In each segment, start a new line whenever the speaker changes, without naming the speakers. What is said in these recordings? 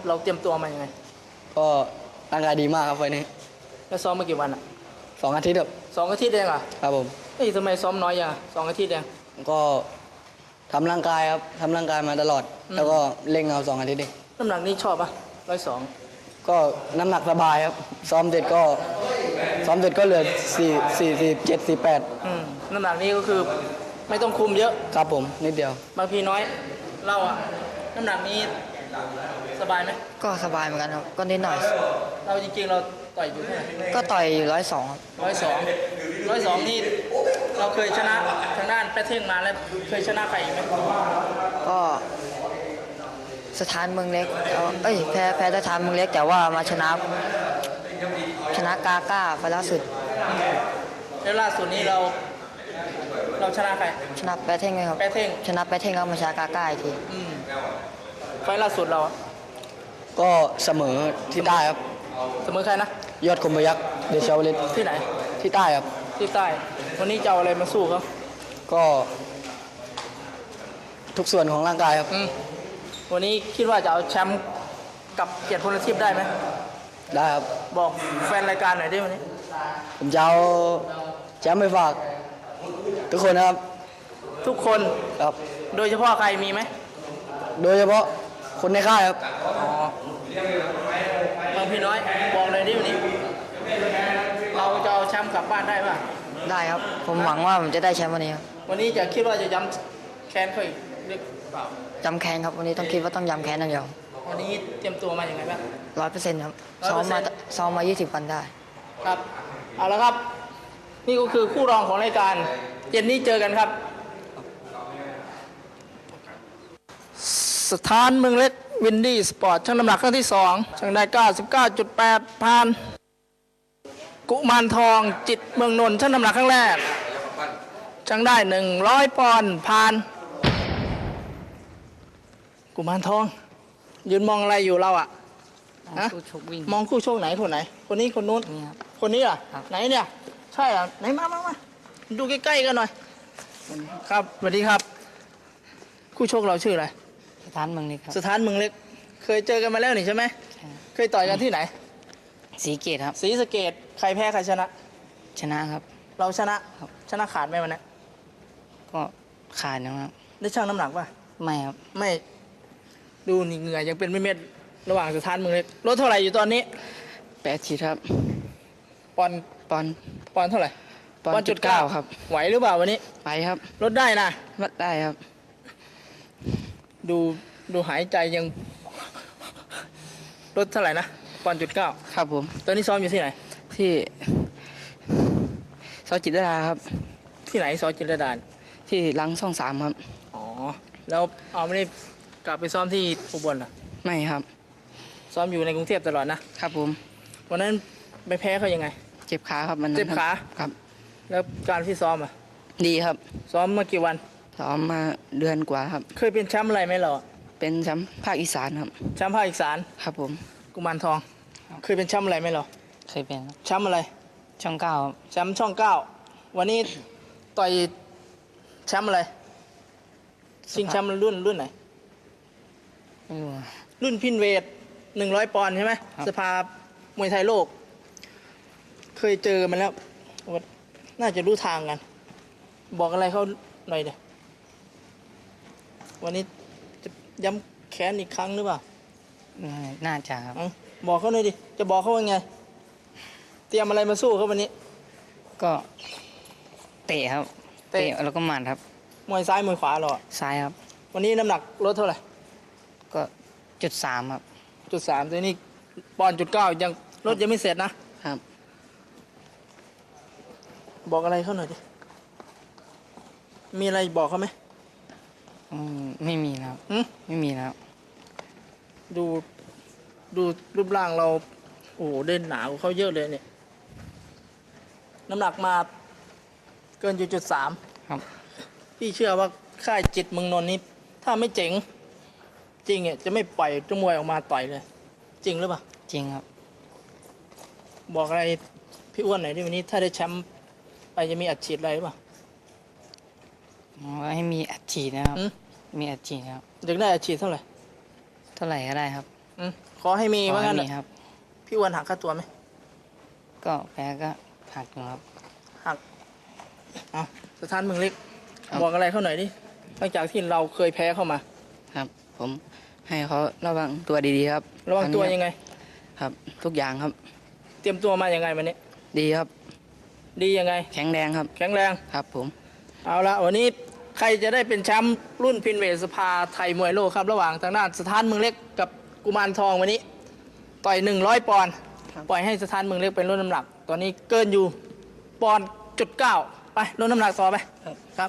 เราเตรียมตัวมายังไง
ก็ร่างกายดีมากครับไฟล์นี้
แล้วซ้อมมากี่วันอ่ะ
2 อาทิตย์ครับ
2 อาทิตย์เองอ่ะ
ครับผม
เฮ้ยทำไมซ้อมน้อยอย่าง2 อาทิตย์เอง
ก็ทำร่างกายครับทำร่างกายมาตลอดแล้วก็เล่งเอา2 อาทิตย์เอง
น้ำหนักนี้ชอบปะ102
ก็น้ำหนักสบายครับซ้อมเสร็จก็เหลือ47 48
น้ำหนักนี้ก็คือไม่ต้องคุมเยอะ
ครับผมนิดเดียว
บางพีน้อยเราอ่ะน้ำหนักนี้สบายไหม
ก็สบายเหมือนกันครับก็นิดหน่อย
เราจริงๆเราต่อยอยู่เท่าไหร่
ก็ต่อยอยู่102ครับ
102นี่เราเคยชนะทางด้านแปะเท่งมาแล้วเคยชนะใครอีกไหม
ก็สถานเมืองเล็กแพ้สถานเมืองเล็กแต่ว่ามาชนะกาก้าไปล่าสุด
แล้วล่าสุดนี้เราชนะใคร
ชนะแปะเท่งเลยครับ
แปะเท่ง
ชนะแปะเท่งแล้วมาชนะกาก้าอีกที
ไฟล่าสุดเรา
ก็เสมอที่ใต้ครับ
เสมอใครนะ
ยอดคมพยัคฆ์เดชาวลิต
ที่ไหน
ที่ใต้ครับ
ที่ใต้วันนี้จะเอาอะไรมาสู้เขา
ก็ทุกส่วนของร่างกายครับ
วันนี้คิดว่าจะเอาแชมป์กับเกียรติพลทิพย์ได้ไหม
ได้ครับ
บอกแฟนรายการหน่อยได้วันนี้
ผมจะเอาแชมป์ไปฝากทุกคนนะครับ
ทุกคน
ครับ
โดยเฉพาะใครมีไหม
โดยเฉพาะคนในค่ายครับ
บางพี่น้อยบอกเลยดิวันนี้เราจะเอาแชมป์กลับบ้านได้ป่ะ
ได้ครับผมหวังว่าผมจะได้แชมป์วันนี้ครับ
วันนี้จะคิดว่าจะย้ำแค้นเขาอีกหรือเปล่า
ย้ำแค้นครับวันนี้ต้องคิดว่าต้องย้ำแค้นอย่างเดียว
วันนี้เตรียมตัวมาอย่างไรบ้าง
100%ครับซ้อมมา20 วันได้
ครับเอาละครับนี่ก็คือคู่รองของรายการเย็นนี้เจอกันครับสถานเมืองเล็กวินดี้สปอร์ตชั่งน้ำหนักครั้งที่2ชั่งได้ 99.8 ผ่านกุมารทองจิตเมืองนนท์ชั่งน้ำหนักครั้งแรกชั่งได้100 ปอนด์ผ่านกุมารทองยืนมองอะไรอยู่เราอ่ะมองคู่ชกไหนคนไหนคนนี้คนนู้นคนนี้อ่ะไหนเนี่ยใช่อ่ะไหนมาดูใกล้ๆกันหน่อยครับสวัสดีครับคู่ชกเราชื่ออะไร
สถานเมืองเล็กครับ
สถานเมืองเล็กเคยเจอกันมาแล้วนี่ใช่ไหมเคยต่อยกันที่ไหน
ศรีเกตครับ
ศรีสะเกษใครแพ้ใครชนะ
ชนะครับ
เราชนะครับชนะขาดไหมวันนี้
ก็ขาดนะครับ
ได้ชั่งน้ำหนักป่ะ
ไม่ครับ
ไม่ดูนี่เหงื่อยังเป็นเม็ดระหว่างสถานเมืองเล็กลดเท่าไหร่อยู่ตอนนี้
80ครับ
ปอนเท่าไหร่
1.9ครับ
ไหวหรือเปล่าวันนี้
ไปครับ
ลดได้นะ
ลดได้ครับ
ดูหายใจยังลดเท่าไหร่นะ1.9
ครับผม
ตอนนี้ซ้อมอยู่ที่ไหน
ที่ซอยจิตรดาครับ
ที่ไหนซอยจิตรดา
ที่หลังช่อง3ครับ
อ๋อแล้วเอาไม่ได้กลับไปซ้อมที่อุบลเหรอ
ไม่ครับ
ซ้อมอยู่ในกรุงเทพตลอดนะครับ
ผม
วันนั้นไปแพ้เขายังไง
เจ็บขาครับมัน
เจ็บขา
ครับ
แล้วการที่ซ้อมอ่ะ
ดีครับ
ซ้อมมากี่วัน
ซ้อมมาเดือนกว่าครับ
เคยเป็นแชมป์อะไรไหมเรา
เป็นแชมป์ภาคอีสานครับ
แชมป์ภาคอีสาน
ครับผม
กุมารทองเคยเป็นแชมป์อะไรไหมเรา
เคยเป็น
แชมป์อะไร
ช่อง9
แชมป์ช่อง9วันนี้ต่อยแชมป์อะไรชิงแชมป์รุ่นไหนรุ่นพินเวท100 ปอนด์ใช่ไหมสภามวยไทยโลกเคยเจอมันแล้วน่าจะรู้ทางกันบอกอะไรเขาหน่อยเดี๋ยววันนี้จะย้ำแค้นอีกครั้งหรือเปล่า
น่าจะครับ
บอกเขาหน่อยดิจะบอกเขาว่าไงเตรียมอะไรมาสู้เขาวันนี้
ก็เตะครับเตะแล้วก็หมัดครับ
มวยซ้ายมวยขวาหรอ
ซ้ายครับ
วันนี้น้ำหนักลดเท่าไหร่
ก็3ครับ
3ตัวนี้1.9ยังลดยังไม่เสร็จนะครับบอกอะไรเขาหน่อยดิมีอะไรบอกเขาไหม
ไม่มีแล้วไม่มีแล้ว
ดูรูปร่างเราโอ้โหเด่นหนากว่าเขาเยอะเลยเนี่ยน้ำหนักมาเกิน3
ครับ
พี่เชื่อว่าค่ายจิตเมืองนนท์นี้ถ้าไม่เจ๋งจริงจะไม่ปล่อยจมวยออกมาต่อยเลยจริงหรือเปล่า
จริงครับ
บอกอะไรพี่อ้วนหน่อยที่วันนี้ถ้าได้แชมป์ไปจะมีอัดฉีดอะไรหรือเปล่า
ให้มีอัดฉีดนะครับมีอัดฉีดครับ
อยากได้อัดฉีดเท่าไหร่
ก็ได้ครับ
ขอให้มี
ขอ
ว่า
ให้
งั้น
มี
น่ะ
ครับ
พี่อ้วนหักค่าตัวไหม
ก็แพ้ก็หักอยู่ครับ
หักเอาสถานเมืองเล็ก
ครับ
บอกอะไรเขาหน่อยดิหลังจากที่เราเคยแพ้เข้ามา
ครับ ผมให้เขาระวังตัวดีๆครับ
ระวังตัวยังไง
ครับ ทุกอย่างครับ
เตรียมตัวมายังไงวันนี้
ดีครับ
ดียังไง
แข็งแรงครับ
แข็งแรง
ครับผม
เอาละวันนี้ใครจะได้เป็นแชมป์รุ่นพินเวทสภาไทยมวยโลกครับ ระหว่างทางด้านสถานเมืองเล็กกับกุมารทองวันนี้ ต่อย100 ปอนด์ปล่อยให้สถานเมืองเล็กเป็นลดน้ำหนัก ตอนนี้เกินอยู่ปอนด์จุดเก้าไปลดน้ำหนักต่อไปครับ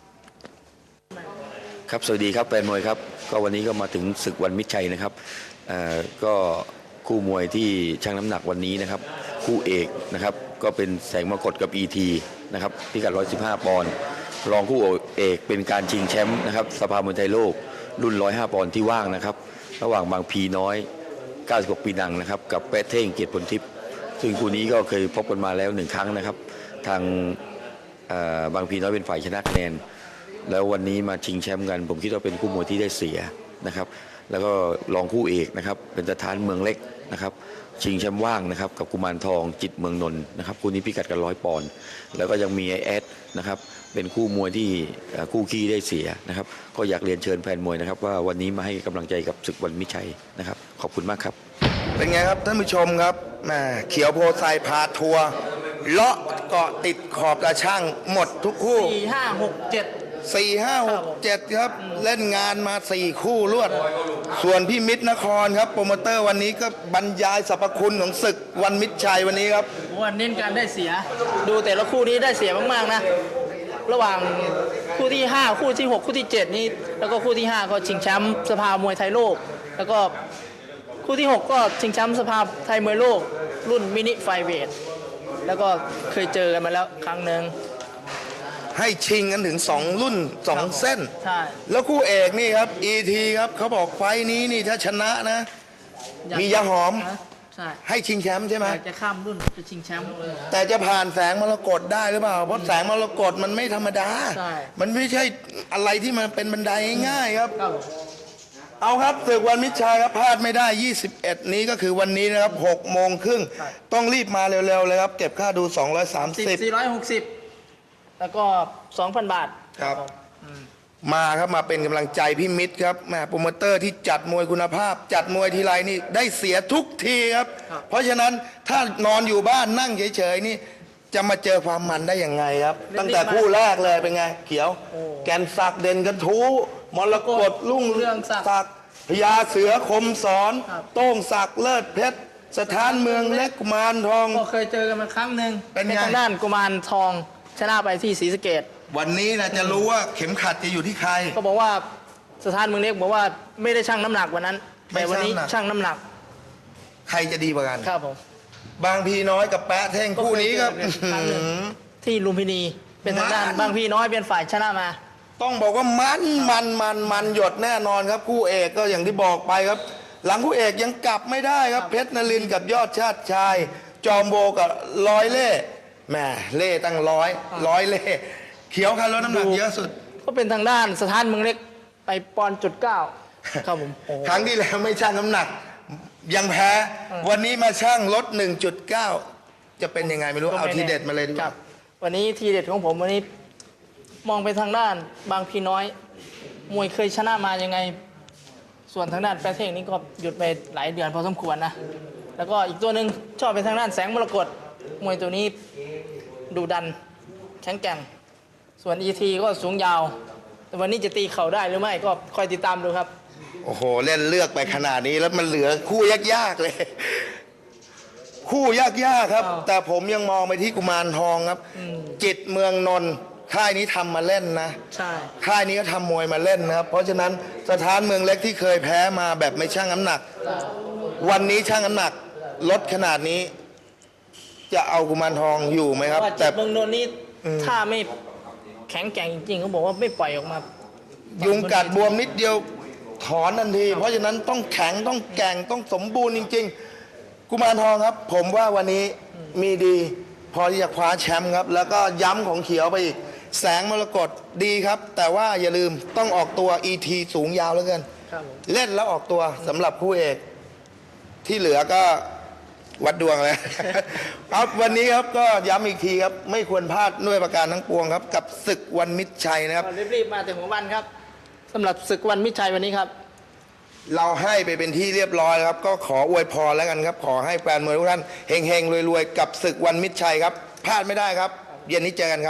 ครับสวัสดีครับแฟนมวยครับก็วันนี้ก็มาถึงศึกวันมิตรชัยนะครับก็คู่มวยที่ชั่งน้ำหนักวันนี้นะครับคู่เอกนะครับก็เป็นแสงมรกตกับ ET นะครับพิกัด115 ปอนด์รองคู่เอกเป็นการชิงแชมป์นะครับสภามวยไทยโลกรุ่น105 ปอนด์ที่ว่างนะครับระหว่างบางพีน้อย96 ปีนังนะครับกับแปะเท่งเกียรติผลทิพย์ซึ่งคู่นี้ก็เคยพบกันมาแล้ว1 ครั้งนะครับทางบางพีน้อยเป็นฝ่ายชนะคะแนนแล้ววันนี้มาชิงแชมป์กันผมคิดว่าเป็นคู่มวยที่ได้เสียนะครับแล้วก็รองคู่เอกนะครับเป็นสถานเมืองเล็กนะครับชิงแชมป์ว่างนะครับกับกุมารทองจิตเมืองนนท์นะครับคู่นี้พิกัดกัน100 ปอนด์แล้วก็ยังมีไอแอดนะครับเป็นคู่มวยที่คู่ขี้ได้เสียนะครับก็อยากเรียนเชิญแฟนมวยนะครับว่าวันนี้มาให้กำลังใจกับศึกวันมิตรชัยนะครับขอบคุณมากครับ
เป็นไงครับท่านผู้ชมครับแหมเขียวโพไซพาทัวร์เลาะเกาะติดขอบตาช่างหมดทุกคู่
4 5 6 7
4 5 6 7 ครับ เล่นงานมา 4 คู่รวด ส่วนพี่มิตรนครครับโปรโมเตอร์วันนี้ก็บรรยายสรรพคุณของศึกวันมิตรชัยวันนี้ครับ
วันเน้นการได้เสีย ดูแต่ละคู่นี้ได้เสียมากๆนะ ระหว่างคู่ที่ 5 คู่ที่ 6 คู่ที่ 7 นี่แล้วก็คู่ที่ 5 ก็ชิงแชมป์สภามวยไทยโลก แล้วก็คู่ที่ 6 ก็ชิงแชมป์สภาไทยมวยโลก รุ่นมินิไฟเวทแล้วก็เคยเจอกันมาแล้วครั้งหนึ่ง
ให้ชิงกันถึง 2 รุ่น 2 เส้น
ใช่
แล้วคู่เอกนี่ครับ ET ครับเขาบอกไฟท์นี้นี่ถ้าชนะนะ มียาหอม
นะใช่
ให้ชิงแชมป์ใช่ไหม
อยากจะข้ามรุ่นจะชิงแชมป์
แต่จะผ่านแสงมรกตได้หรือเปล่า เพราะแสงมรกตมันไม่ธรรมดา
ใช่
มันไม่ใช่อะไรที่มันเป็นบันไดง่ายๆครับ
ครับ เอา
เอาครับศึกวันมิตรชัยครับพลาดไม่ได้ 21 นี้ก็คือวันนี้นะครับ6 โมงครึ่งต้องรีบมาเร็วๆเลยครับ เก็บค่าดู 230
460 แล้วก็ 2,000 บาท
ครับ มาครับมาเป็นกำลังใจพี่มิตรครับแหม่โปรโมเตอร์ที่จัดมวยคุณภาพ จัดมวยทีไรนี่ได้เสียทุกทีครับ เพราะฉะนั้นถ้านอนอยู่บ้านนั่งเฉยๆนี่จะมาเจอความมันได้ยังไงครับ ตั้งแต่คู่แรกเลยเป็นไง เขียว แกนศักดิ์เด่นกระทู้มรกตรุ่งเรืองศักดิ์พญาเสือคมสอน โต้งศักดิ์เลิศเพชรสถานเมืองเล็กกุมารทอง
ก็เคยเจอกันมาครั้งหนึ่ง
เป็นไง
ทางด้านกุมารทองชนะไปที่ศรีสะเกษ
วันนี้นะจะรู้ว่าเข็มขัดจะอยู่ที่ใคร
ก็บอกว่าสถานเมืองเล็กบอกว่าไม่ได้ชั่งน้ำหนักวันนั้น
ไม่
แต่วันนี้
ชั่งน้ำหนัก
ชั่งน้ำหนัก
ใครจะดีกว่ากัน
ครับผม
บางพีน้อยกับแปะเท่งคู่นี้ครับ
ก็เคยเจอกันครั้งหนึ่ง ที่ลุมพินีเป็นทางด้าน
มัน
บางพี่น้อยเป็นฝ่ายชนะมา
ต้องบอกว่ามันหยดแน่นอนครับคู่เอกก็อย่างที่บอกไปครับ หลังคู่เอกยังกลับไม่ได้ครับเพชรนรินทร์กับยอดชาติชาย จอมโบกับร้อยเล่แหม่เล่ตั้งร้อยเล่เขียวคันลดน้ำหนักเยอะสุด
ก็เป็นทางด้านสถานเมืองเล็กไปปอนด์จุดเก้าครับผมโอ้โห
ครั้งที่แล้วไม่ชั่งน้ำหนัก ยังแพ้ วันนี้มาชั่งลด 1.9 จะเป็นยังไงไม่รู้เอาทีเด็ดมาเลยดีก
ครั
ว่า
บวันนี้ทีเด็ดของผมวันนี้มองไปทางด้านบางพี่น้อย มวยเคยชนะมายังไง ส่วนทางด้านแปรเท่งนี่ก็หยุดไปหลายเดือนพอสมควรนะ แล้วก็อีกตัวหนึ่งชอบไปทางด้านแสงมรกตมวยตัวนี้ดูดันแข็งแกร่ง ส่วน ET ก็สูงยาว แต่วันนี้จะตีเข่าได้หรือไม่ก็คอยติดตามดูครับ
โอ้โห เล่นเลือกไปขนาดนี้แล้วมันเหลือคู่ยากๆเลย คู่ยากๆครับ
อ้าว
แต่ผมยังมองไปที่กุมารทองครับ จิตเมืองนนท์ค่ายนี้ทำมาเล่นนะ
ใช่
ค่ายนี้ก็ทำมวยมาเล่นนะครับ เพราะฉะนั้นสถานเมืองเล็กที่เคยแพ้มาแบบไม่ชั่งน้ำหนัก วันนี้ชั่งน้ำหนักลดขนาดนี้ จะเอากุมารทองอยู่ไหมครับ
ว่า
แต่
จิตเมืองนนท์นี่ถ้าไม่แข็งแกร่งจริงๆเขาบอกว่าไม่ปล่อยออกมา
ยุงกัดบวมนิดเดียวถอนทันที เพราะฉะนั้นต้องแข็งต้องแกร่งต้องสมบูรณ์จริง ๆ กุมารทองครับ ผมว่าวันนี้มีดี พอที่จะคว้าแชมป์ครับ แล้วก็ย้ำของเขียวไปอีก แสงมรกตดีครับ แต่ว่าอย่าลืมต้องออกตัว ET สูงยาวเหลือเกิน
ครับผม
เล่นแล้วออกตัวสำหรับคู่เอกที่เหลือก็วัดดวงเลย ครับวันนี้ครับก็ย้ำอีกทีครับไม่ควรพลาดด้วยประการทั้งปวงครับกับศึกวันมิตรชัยนะครับ
รีบๆมาแต่หัววันครับสำหรับศึกวันมิตรชัยวันนี้ครับ
เราให้ไปเป็นที่เรียบร้อยแล้วครับก็ขออวยพรแล้วกันครับขอให้แฟนมวยทุกท่านเฮงๆรวยๆกับศึกวันมิตรชัยครับพลาดไม่ได้ครับเย็นนี้เจอกันครับ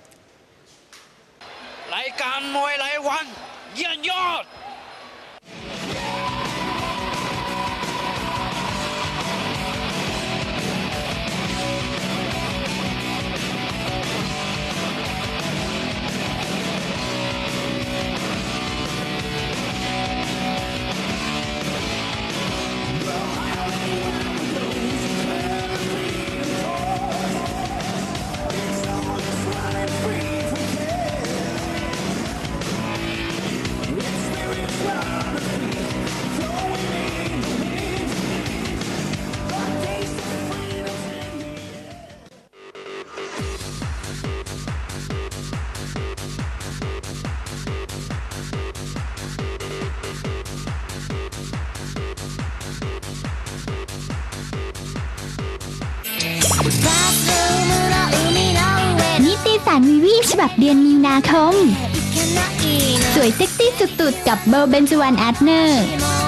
รายการมวยรายวันเยี่ยมยอด
นิตยสารวีวีฉบับเดือนมีนาคม สวยเซ็กซี่สุดๆกับเบลเบนจวันแอดเนอร์